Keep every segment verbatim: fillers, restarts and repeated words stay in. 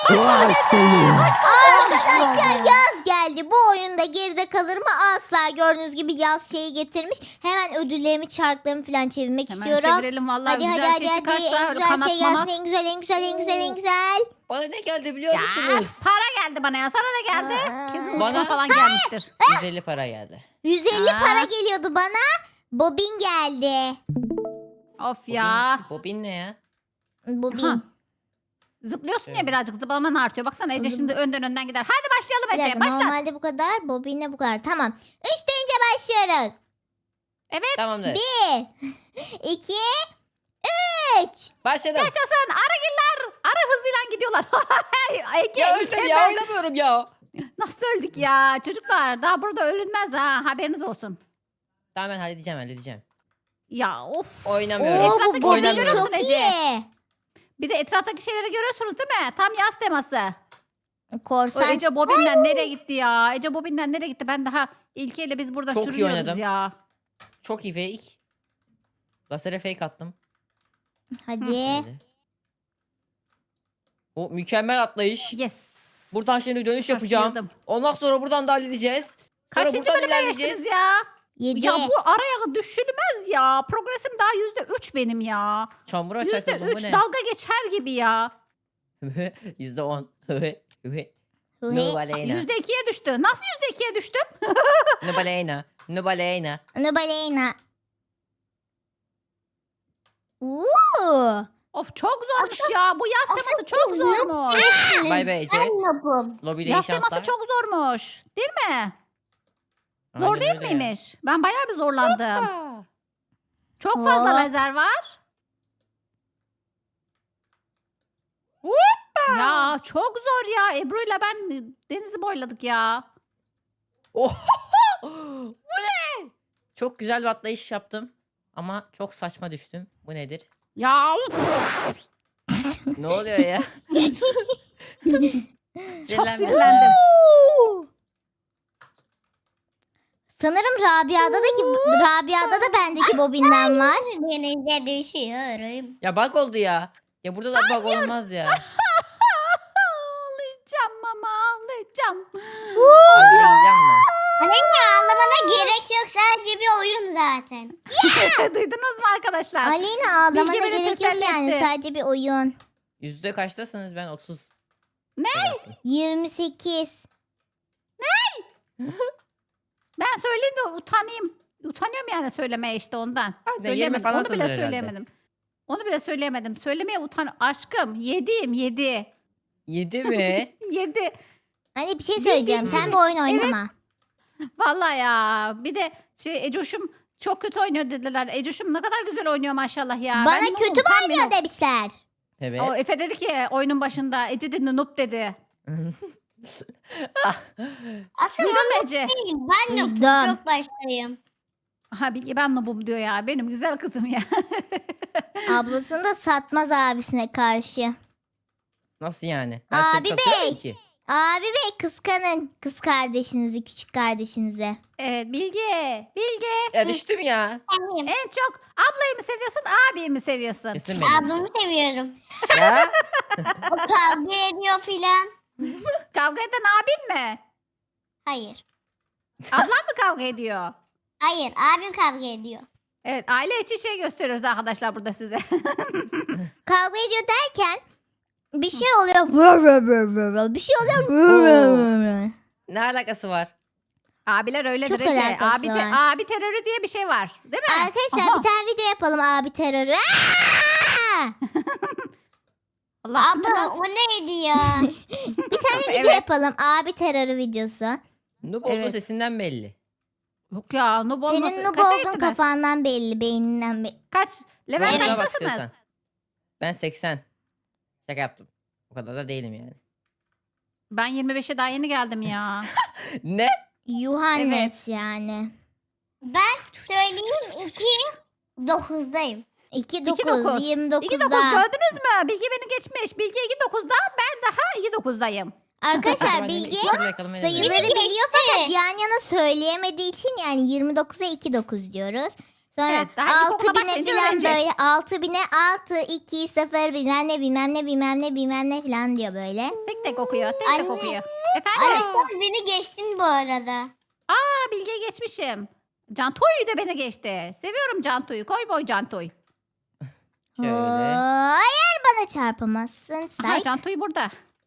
Arkadaşlar yaz geldi. Bu oyunda geride kalır mı? Asla. Gördüğünüz gibi yaz şeyi getirmiş. Hemen ödüllerimi, çarklarımı falan çevirmek Hemen istiyorum. çevirelim vallahi Hadi hadi güzel hadi şey hadi. çıkarsa. En güzel şey kanatmama. gelsin. En güzel en güzel en güzel en güzel. Bana ne geldi biliyor Ya musunuz? para geldi bana ya. Sana da geldi. Aa. Kesin Bana- uçma falan gelmiştir. yüz elli para geldi. yüz elli Aa. para geliyordu bana. Bobin geldi. Of ya. Bobin, bobin ne ya? Bobin. Aha. Zıplıyorsun ya Evet. birazcık zıplaman artıyor. Baksana Ece Zıp- şimdi önden önden gider. Hadi başlayalım Bir Ece. dakika, Başlat. normalde bu kadar. Bobinle bu kadar. Tamam. Üç deyince başlıyoruz. Evet. Tamamdır. Bir. iki. Üç. Başladım. Yaşasın. Arıgiller. Arı hızıyla gidiyorlar. Ege, Ya Ege, öldüm ya ben- oynamıyorum ya. Nasıl öldük ya? Çocuklar daha burada ölünmez ha. Haberiniz olsun. Tamam ben halledeceğim halledeceğim. Ya of. Oynamıyorum. Oo, bu Etraftaki Bobin şeyleri Oynamıyorum. çok Ece. iyi. Bir de etraftaki şeyleri görüyorsunuz değil mi? Tam yaz teması. O Korsan. Ece Bobin'den nereye gitti ya? Ece Bobin'den nereye gitti? Ben daha İlke biz burada Çok iyi sürünüyoruz oynadım. ya. Çok iyi fake. Lasere fake attım. Hadi. Şöyle. O mükemmel atlayış. Yes. Buradan şimdi dönüş yapacağım. Sıyırdım. Ondan sonra buradan da halledeceğiz. Sonra Kaçıncı buradan bölüme ilerleyeceğiz. geçtiniz ya? Yedi. Ya bu araya düşülmez ya. Progresim daha yüzde üç benim ya. Çamura Yüzde çakıldım bu üç ne? dalga geçer gibi ya. Yüzde on. Hıhı. Nubaleyna. Yüzde ikiye düştü. Nasıl yüzde ikiye düştüm? Nubaleyna. Nubaleyna. Nubaleyna. Uuu. Of çok zormuş ya. Bu yaz teması çok zormuş. Bay bay Ece. Yapım. Lobide iyi Yaz şanslar. teması çok zormuş. Değil mi? Zor Aynen değil öyle ya. miymiş? Ben bayağı bir zorlandım. Aa. Çok fazla Hop. lazer var. Ya çok zor ya. Ebru'yla ben denizi boyladık ya. Oh! Bu ne? Çok güzel bir atlayış yaptım. Ama çok saçma düştüm. Bu nedir? Ya uf, Ne oluyor ya? çok Sinirlenme. sinirlendim. Sanırım Rabia'da da ki Rabia'da da bendeki bobinden var. Denize düşüyorum. Ya bug oldu ya. Ya burada da bug olmaz ya. Ağlayacağım ama ağlayacağım. Halledeceğim mi? Aleyna ağlamana gerek yok, sadece bir oyun zaten. Duydunuz mu arkadaşlar? Aleyna ağlamana Bilge beni gerek yok teselli yani. etti. Sadece bir oyun. Yüzde kaçtasınız? Ben otuz. Ne? yaptım. yirmi sekiz. Ben söyleyeyim de utanayım. Utanıyorum yani söylemeye işte ondan. Ben de yirmi Söyleyemedim. falan Onu bile sanırım herhalde. söyleyemedim. Onu bile söyleyemedim. Söylemeye utan. Aşkım yediyim yedi. Yedi mi? Yedi. Hani bir şey söyleyeceğim. Sen bu oyun oynama. Vallahi ya. Bir de şey Ecoş'um çok kötü oynuyor dediler. Ecoş'um ne kadar güzel oynuyor maşallah ya. Bana Ben kötü noobum, tam bir oynuyor noob. demişler. Evet. O Efe dedi ki oyunun başında Ece dedi noob dedi. Aslında Duydun mu Ece? değil, ben de Duydum. çok baştayım. Ha Bilge ben noobum diyor ya. Benim güzel kızım ya. Ablasını da satmaz abisine karşı. Nasıl yani? Ben Abi seni satıyorum bey. ki. Abi bey kıskanın kız kardeşinizi, küçük kardeşinizi. Evet Bilge. Bilge. Ya düştüm ya. Benim. En çok ablayı mı seviyorsun abiyi mi seviyorsun? Kesin benim. Ablamı seviyorum. Ya. O kavga ediyor filan. Kavga eden abin mi? Hayır. Ablan mı kavga ediyor? Hayır, abim kavga ediyor. Evet aile içi şey gösteriyoruz arkadaşlar burada size. Kavga ediyor derken bir şey oluyor. Vır vır vır vır vır. Bir şey oluyor. Vır vır vır vır. Ne alakası var? Abiler öyledir Çok Ece. alakası Abi, te- var. abi terörü diye bir şey var. Değil mi? Arkadaşlar Aha. bir tane video yapalım abi terörü. Aa! Allah Abla o neydi ya? Bir tane video Evet. yapalım abi terörü videosu. Noob olduğu Evet. sesinden belli. Yok ya noob olması. Senin noob Kaça olduğun gittiniz? kafandan belli, beyninden belli. Kaç? Level Profesine bak kaçtasınız? istiyorsan. Ben seksen. Şaka yaptım. O kadar da değilim yani. Ben yirmi beşe daha yeni geldim ya. Ne? Yuhannes yani. Ben söyleyeyim iki dokuzdayım. iki İki dokuz, dokuz. yirmi iki dokuz dokuzda. gördünüz mü? Bilge beni geçmiş. Bilge iki dokuzda ben daha iki dokuzdayım. Arkadaşlar Ben de Bilge iki türlü yakalamayı denedim. sayıları biliyor fakat yan yana söyleyemediği için yani yirmi dokuza iki dokuz diyoruz. Sonra Evet, daha ilk altı okula bine başlayınca falan öğrenecek. böyle altı bine altı iki sıfır bilmem ne bilmem ne bilmem ne bilmem ne falan diyor böyle. Tek tek okuyor. Tek tek Anne. okuyor. Anne Efendim? sen beni geçtin bu arada. Aa, Bilge'yi geçmişim. Cantoy'u da beni geçti. Seviyorum Cantoy'u. Koy boy Cantoy. Şöyle. Hayır bana çarpamazsın. Aha, Say. Cantoy burada.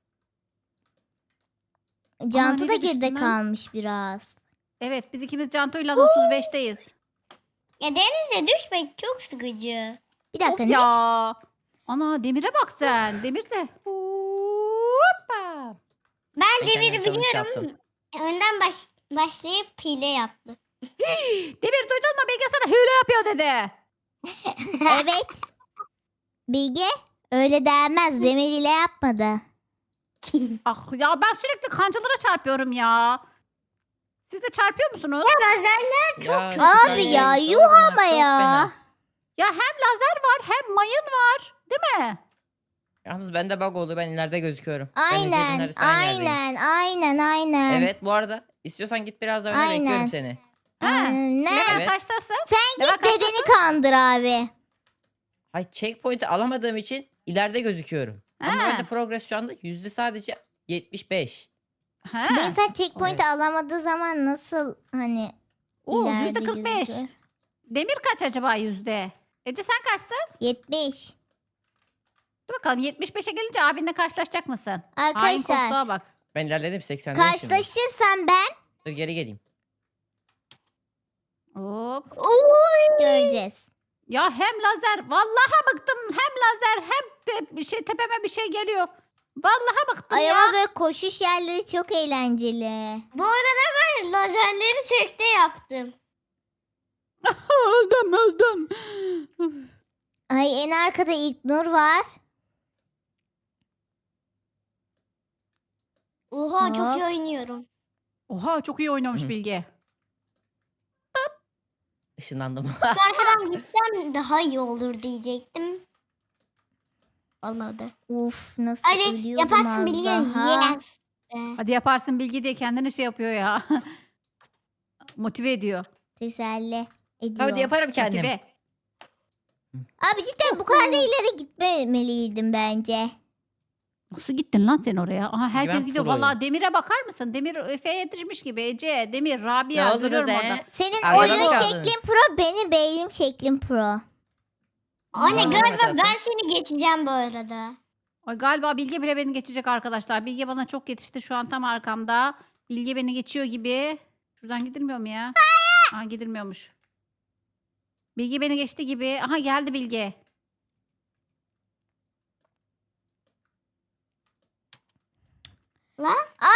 Cantu Aa, da nereye düştüm geride ben? kalmış biraz. Evet, biz ikimiz Cantoy'la otuz beşteyiz. Ya denize düşmek çok sıkıcı. Bir dakika Of ne? ya. Ana Demir'e bak sen. Demir de. Hoppa. Ben Ben Demir'i kendime challenge biliyorum. yaptım. Önden baş, başlayıp hile yaptı. Demir duydun mu? Bilge sana hile yapıyor dedi. Evet. Bilge öyle denmez. Demir ile yapmadı. Ah ya, ben sürekli kancalara çarpıyorum ya. Siz de çarpıyor musunuz? Lazerler çok Ya, kötü. şu Abi kayaya ya git, yuh sorma, ama çok ya. fena. Ya hem lazer var hem mayın var. Değil mi? Yalnız bende bug oldu. Ben ileride gözüküyorum. Ben Ece'nin Aynen neredeyse aynı yerdeyim. aynen aynen aynen. Evet bu arada istiyorsan git biraz daha öne Aynen. bekliyorum seni. Ha. Aynen. Level Evet. kaçtasın? Sen Level git dedeni kaçtasın? kandır abi. Hay checkpoint'i alamadığım için ileride gözüküyorum. Ama Ha. bende progress şu anda yüzde sadece yetmiş beş. Ha. Bir insan checkpoint'i alamadığı zaman nasıl hani Oo, ileride yüzde kırk beş. gözüküyor? Demir kaç acaba yüzde? Ece sen kaçtın? yetmiş. Dur bakalım, yetmiş beşe gelince abinle karşılaşacak mısın? Hain Arkadaşlar koltuğa bak. Ben ilerledim seksendeyim şimdi. karşılaşırsam ben Dur geri geleyim. Hop. Oy. göreceğiz. Ya hem lazer. Vallahi bıktım. Hem lazer hem de bir şey tepeme bir şey geliyor. Vallahi bıktım Ay ya. ama böyle koşuş yerleri çok eğlenceli. Bu arada ben lazerleri tekte yaptım. öldüm öldüm. Ay en arkada İlknur var. Oha Hop. çok iyi oynuyorum. Oha, çok iyi oynamış Hı. Bilge. Işınlandım. Şu arkadan gitsem daha iyi olur diyecektim. Olmadı. Uf nasıl Hadi ölüyordum yaparsın az biliyorum. daha. Yes. Be. Hadi yaparsın Bilge diye kendini şey yapıyor ya. Motive ediyor. Teselli ediyor. Hadi yaparım kendim. Motive. Abi cidden bu kadar da ileri gitmemeliydim bence. Nasıl gittin lan sen oraya? Aha, herkes ben gidiyor. proyum. Vallahi Demir'e bakar mısın? Demir Efe'ye yetişmiş gibi. Ece, Demir, Rabia. Ne oldunuz görüyorum he? orada. Senin Arkada oyun mı kaldınız? şeklin pro, benim beynim şeklim pro. Anne Tamam, galiba Mehmet ben Hasan. seni geçeceğim bu arada. Ay, galiba Bilge bile beni geçecek arkadaşlar. Bilge bana çok yetişti. Şu an tam arkamda. Bilge beni geçiyor gibi. Şuradan gidilmiyor mu ya? Aha, gidilmiyormuş. Bilge beni geçti gibi. Aha, geldi Bilge. Lan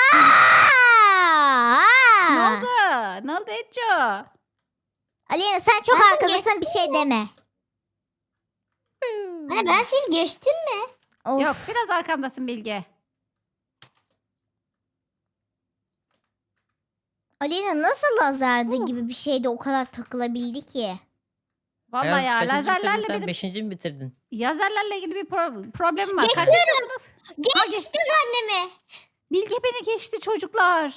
Aa! Ne oldu? Ne oldu Ece? Alena sen çok Ben arkadasın bir şey deme. anne ben seni geçtim mi? Of. Yok, biraz arkamdasın Bilge. Alena nasıl lazerdi Uh. gibi bir şeyde o kadar takılabildi ki? Vallahi ya, kaçıncı bitirdin lazerlerle sen? benim Beşinci mi bitirdin? lazerlerle ilgili bir pro- problemim var. Geçiyorum. Kaçıncısınız? Ha, geçti. Geçtim annemi. Bilge beni geçti çocuklar.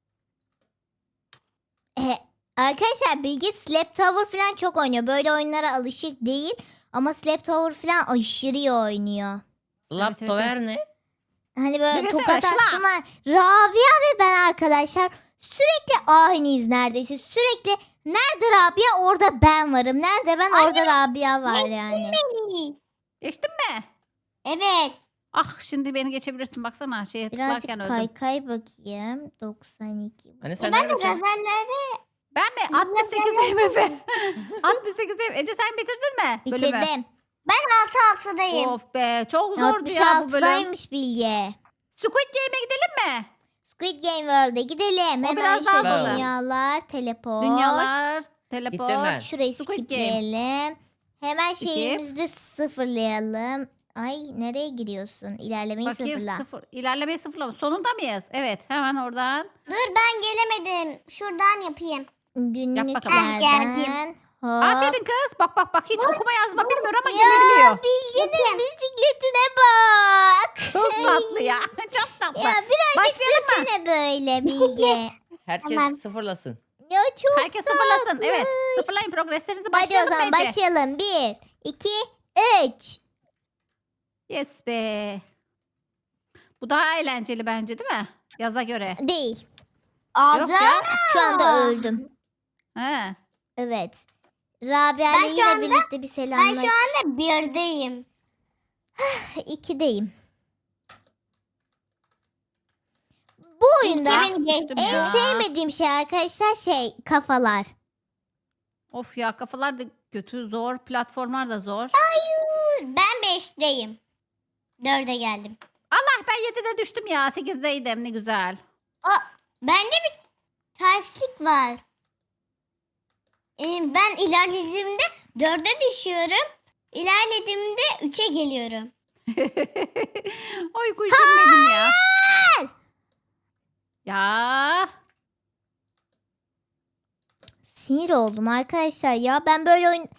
E, arkadaşlar Bilge Slap Tower falan çok oynuyor. Böyle oyunlara alışık değil. Ama Slap Tower falan aşırı iyi oynuyor. Slap evet, Tower ne? Hani böyle Nefesine tokat şla. attım. ha. Rabia ve ben arkadaşlar sürekli aynıyız neredeyse. Sürekli nerede Rabia orada ben varım. Nerede ben orada Rabia var yani. İyi. Geçtin mi? Evet. Ah, şimdi beni geçebilirsin. Baksana şeye Birazcık tıklarken öldüm. kaykay bakayım. doksan iki. Hani E sen ben de neredesin? lazerlerde Ben mi? altmış sekizdeyim Efe. altmış sekizdeyim. Ece, sen bitirdin mi bölümü? Bitirdim. altı altıdayım. Of be, çok zordu ya bu bölüm. altmış altıdaymış Bilge. Squid Game'e gidelim mi? Squid Game World'e gidelim. O Hemen biraz daha şöyle kolay. dünyalar, teleport. Dünyalar, Gittim teleport. ben. Şurayı Squid Game. skipleyelim. Hemen Skip. şeyimizi de sıfırlayalım. Ay nereye giriyorsun? İlerlemeyi Bakayım, sıfırla. sıfır. İlerlemeyi sıfırlama. Sonunda mıyız? Evet, hemen oradan. Dur ben gelemedim. Şuradan yapayım. bakalım. Günlüklerden. Hop. Aferin kız. Bak bak bak, hiç okuma yazma bilmiyor ama Ya gelebiliyor. Bilge'nin bisikletine bak. Çok tatlı ya. Çok tatlı. Ya birazcık Başlayalım mı? sürsene böyle Bilge. Herkes Tamam. sıfırlasın. Ya çok Herkes sıfırlasın. tatlış. Evet. Sıfırlayın progreslerinizi. Hadi o Başlayalım zaman bence. başlayalım. Bir, iki, üç. Yes be. Bu daha eğlenceli bence değil mi? Yaza göre. Değil. Yok ya. Ağzım. Şu anda öldüm. He. Evet. Rabia Ben ile şu yine anda- birlikte bir Ben selamlaş. şu anda birdeyim. İkideyim. Bu oyunda Kimin geçti? Düştüm en ya. sevmediğim şey arkadaşlar şey kafalar. Of ya, kafalar da kötü, zor. Platformlar da zor. Ben beşteyim. Dörde geldim. Allah, ben yedide düştüm ya. sekizdeydim, ne güzel. O, bende bir terslik var. Ee, ben ilerlediğimde dörde düşüyorum. İlerlediğimde üçe geliyorum. Oy kuşum benim ya. Ya. Sinir oldum arkadaşlar ya. Ben böyle oyun...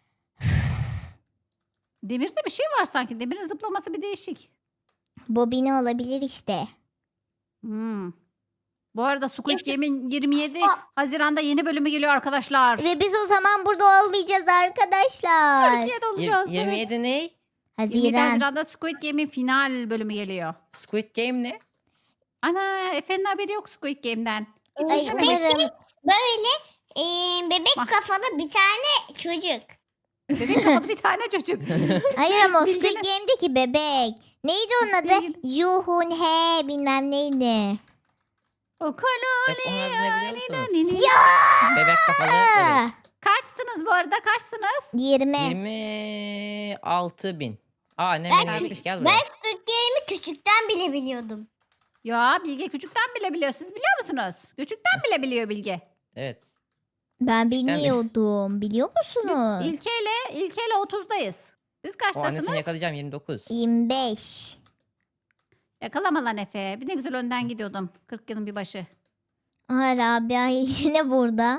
Demirde bir şey var sanki. Demirin zıplaması bir değişik. Bobine olabilir işte. Hmm. Bu arada Squid İşte- Game'in yirmi yedi Aa. Haziran'da yeni bölümü geliyor arkadaşlar. Ve biz o zaman burada olmayacağız arkadaşlar. Türkiye'de Yir- olacağız. yirmi yedi ne? yirmi yedi Haziran. Haziran'da Squid Game'in final bölümü geliyor. Squid Game ne? Ana, Efe'nin haberi yok Squid Game'den. Hiç Ay izlememiş. umarım. Böyle ee, bebek Ah. kafalı bir tane çocuk. Bebek kafalı bir tane çocuk. Hayır ama o Squid Bilginin- Game'deki bebek. Neydi onun adı? Bilgin- Yuhun he bilmem neydi. O kolo. Hep onun adını ne biliyor musunuz? Ya! Bebek kafalı. Evet. Kaçsınız bu arada, kaçsınız? yirmi. yirmi altı bin. Aa annem Ben- beni geçmiş, gel Ben buraya. Squid Game'i küçükten bile biliyordum. Ya Bilge küçükten bile biliyor. Siz biliyor musunuz? Küçükten bile biliyor Bilge. Evet. Ben mi? bilmiyordum. Biliyor Biz musunuz? İlke'yle İlke'yle otuzdayız. Siz O annesini kaçtasınız? yakalayacağım, yirmi dokuz. yirmi beş. Yakalama lan Efe. Bir ne güzel önden gidiyordum. kırk yılın bir başı. Aha Rabia yine burada.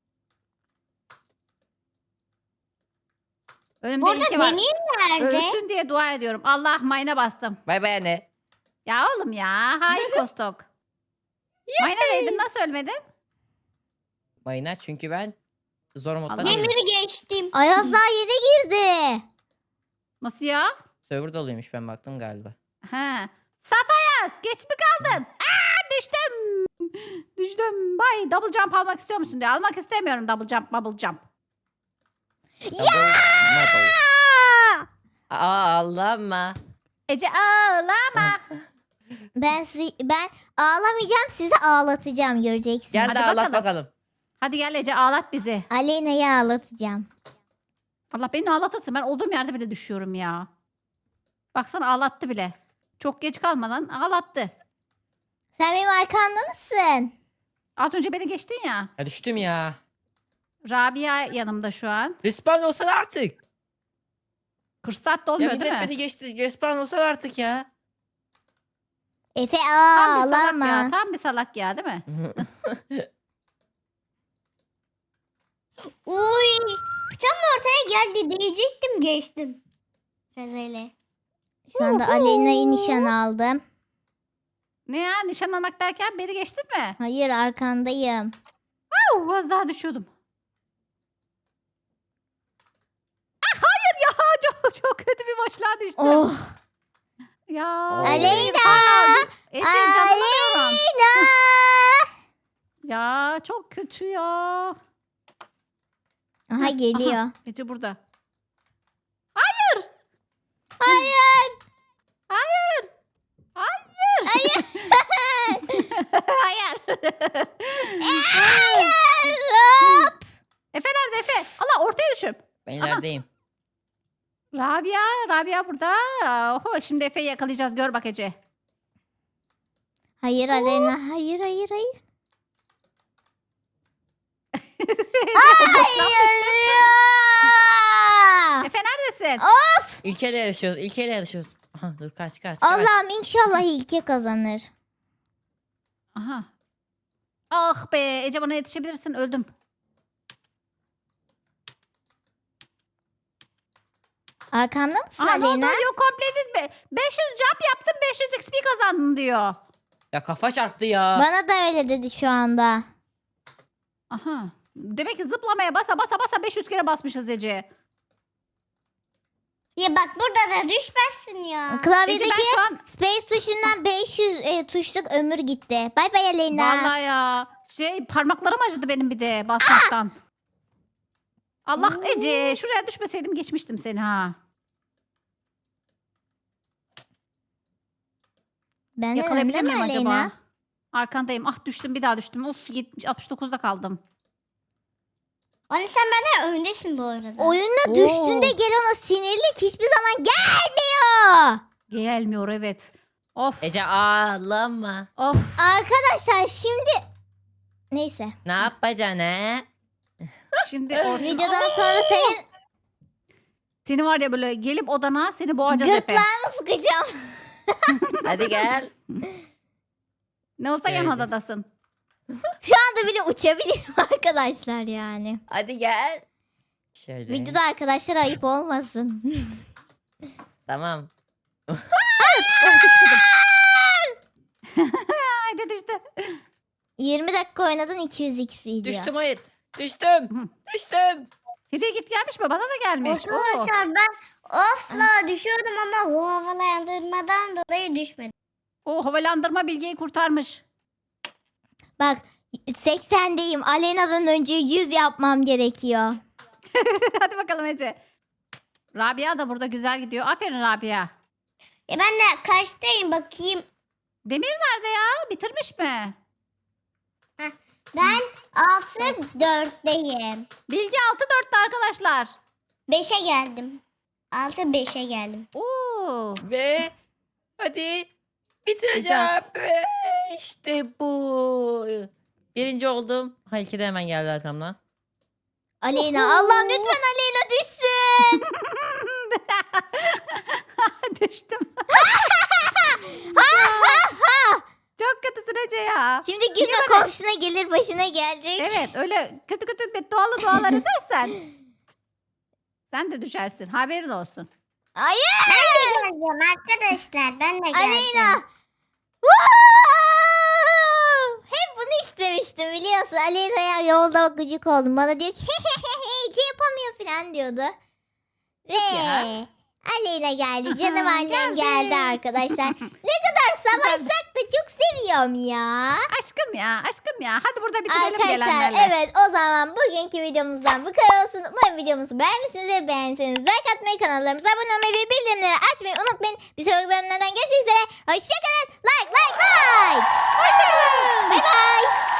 Önümde Burada İlke var. demir nerede? Ölsün diye dua ediyorum. Allah, mayına bastım. Bay bay anne. Ya oğlum ya. Hain kostok. Mayına değdin, nasıl ölmedin? Mayına, çünkü ben zor moddan Allah. değilim. Demiri geçtim. Ayaz daha yeni girdi. Nasıl ya? Server doluymuş, ben baktım galiba. He. Safayaz, geç mi kaldın? Aa, düştüm. Düştüm. Bay, double jump almak istiyor musun diye. Almak istemiyorum double jump, bubble jump. Ya! Aa! Aa ağlama. Ece ağlama. Ben sizi, ben ağlamayacağım, sizi ağlatacağım göreceksiniz. Gel Hadi de ağlat bakalım. bakalım. Hadi gel Ece, ağlat bizi. Aleyna'yı ağlatacağım. Allah, beni ağlatırsın. Ben olduğum yerde bile düşüyorum ya. Baksana, ağlattı bile. Çok geç kalmadan ağlattı. Sen benim arkamda mısın? Az önce beni geçtin ya. Ya düştüm ya. Rabia yanımda şu an. Respawn olsan artık. kırk saat Ya dolmuyor millet değil mi? beni geçti. Respawn olsan artık ya. Efe Tam bir salak ya. ağlama. Tam bir salak ya, değil mi? Uy. Tam ortaya geldi diyecektim geçtim. Rezele. Şu anda Aleyna'yı nişan aldım. Ne ya, nişan almak derken beni geçtin mi? Hayır arkandayım. Au, az daha düşüyordum. Ah, hayır ya, çok çok kötü bir boşluğa düştüm. Oh. Ya. Aleyna! Aa, Ece, canlanamıyorum. Aleyna! Ya çok kötü ya. Aha geliyor. Ece burada. Hayır. Hayır. Hayır. Hayır. Hayır. Hayır. Hop. Efe nerede Efe? Allah, ortaya düşüp. Ben ilerideyim. Rabia, Rabia burada. Oho, şimdi Efe'yi yakalayacağız. Gör bak Ece. Hayır Aleyna. Hayır hayır hayır. Hayır. Ya. Efe neredesin? Of. İlkeyle yarışıyoruz. İlkeyle yarışıyoruz. Aha, dur kaç kaç. kaç. Allah'ım inşallah ilke kazanır. Aha. Ah be, Ece, bana yetişebilirsin. Öldüm. Arkamda mısın Aa, ne oldu? Aleyna? Yok, completed be. beş yüz jump yaptım, beş yüz X P kazandın diyor. Ya kafa çarptı ya. Bana da öyle dedi şu anda. Aha. Demek ki zıplamaya basa basa basa beş yüz kere basmışız Ece. Ya bak burada da düşmezsin ya. Ece Klavyedeki ben şu an space tuşundan beş yüz e, tuşluk ömür gitti. Bay bay Aleyna. vallahi ya şey parmaklarım acıdı benim bir de basmaktan. Allah Ece şuraya düşmeseydim geçmiştim seni ha. Benden Yakalayabilir önde mi miyim acaba? Aleyna? Arkandayım. Ah düştüm bir daha düştüm. Of yetmiş altmış dokuzda kaldım. Anne sen benden öndesin bu arada. Oyunda Oo. düştüğünde gelen o sinirlik hiçbir zaman gelmiyor. Gelmiyor evet. Of. Ece ağlama. Of. Arkadaşlar şimdi neyse. Ne yapacaksın he? Şimdi Orçun. Videodan sonra senin Seni var ya böyle gelip odana seni boğacağız Efe. gırtlağını sıkacağım. Hadi gel. Ne olsa yan Öyle. odadasın. Şu anda bile uçabilirim arkadaşlar yani. Hadi gel. Şöyle. Videoda arkadaşlar ayıp olmasın. Tamam. Oh düşmedim. Ece düştü. yirmi dakika oynadın iki yüz X P diyor. Düştüm hayır. Düştüm. Düştüm. Free gift gelmiş mi? Bana da gelmiş. Oo. Arkadaşlar ben asla düşüyordum ama o havalandırmadan dolayı düşmedim. O havalandırma Bilge'yi kurtarmış. Bak seksendeyim. Aleyna'dan önce yüz yapmam gerekiyor. Hadi bakalım Ece. Rabia da burada güzel gidiyor. Aferin Rabia. E ben de kaçtayım bakayım. Demir nerede ya? Bitirmiş mi? Ben altı dörtteyim. Bilge altı dörtte arkadaşlar. beşe geldim. altı beşe geldim. Oo. Ve hadi bitireceğim. Ve işte bu. Birinci oldum. Ha iki de hemen geldi arkamdan. Aleyna Allah'ım lütfen Aleyna düşsün. Düştüm. Çok kötüsün Ece ya. Şimdi gülme komşuna gelir başına gelecek. Evet öyle kötü kötü beddualı dualar edersen sen de düşersin. Haberin olsun. Hayır. Geleceğim arkadaşlar ben de geldim. Aleyna. Woo! Hep bunu istemiştim biliyorsun. Aleyna'ya yolda gıcık oldum. Bana diyor ki Ece yapamıyor falan diyordu. Ve Ya. Aleyna geldi. Canım Aha, annem geldi. geldi arkadaşlar. Ne kadar savaşsak da çok seviyorum ya. Aşkım ya aşkım ya. Hadi burada bitirelim Arkadaşlar gelenlerle. evet o zaman bugünkü videomuzdan bu kadar olsun. Umarım videomuzu beğenmişsinizdir. Beğenseniz like atmayı, kanallarımıza abone olmayı ve bildirimleri açmayı unutmayın. Bir sonraki bölümlerden görüşmek üzere. Hoşçakalın. Like like like. Hoşçakalın. Bay bay.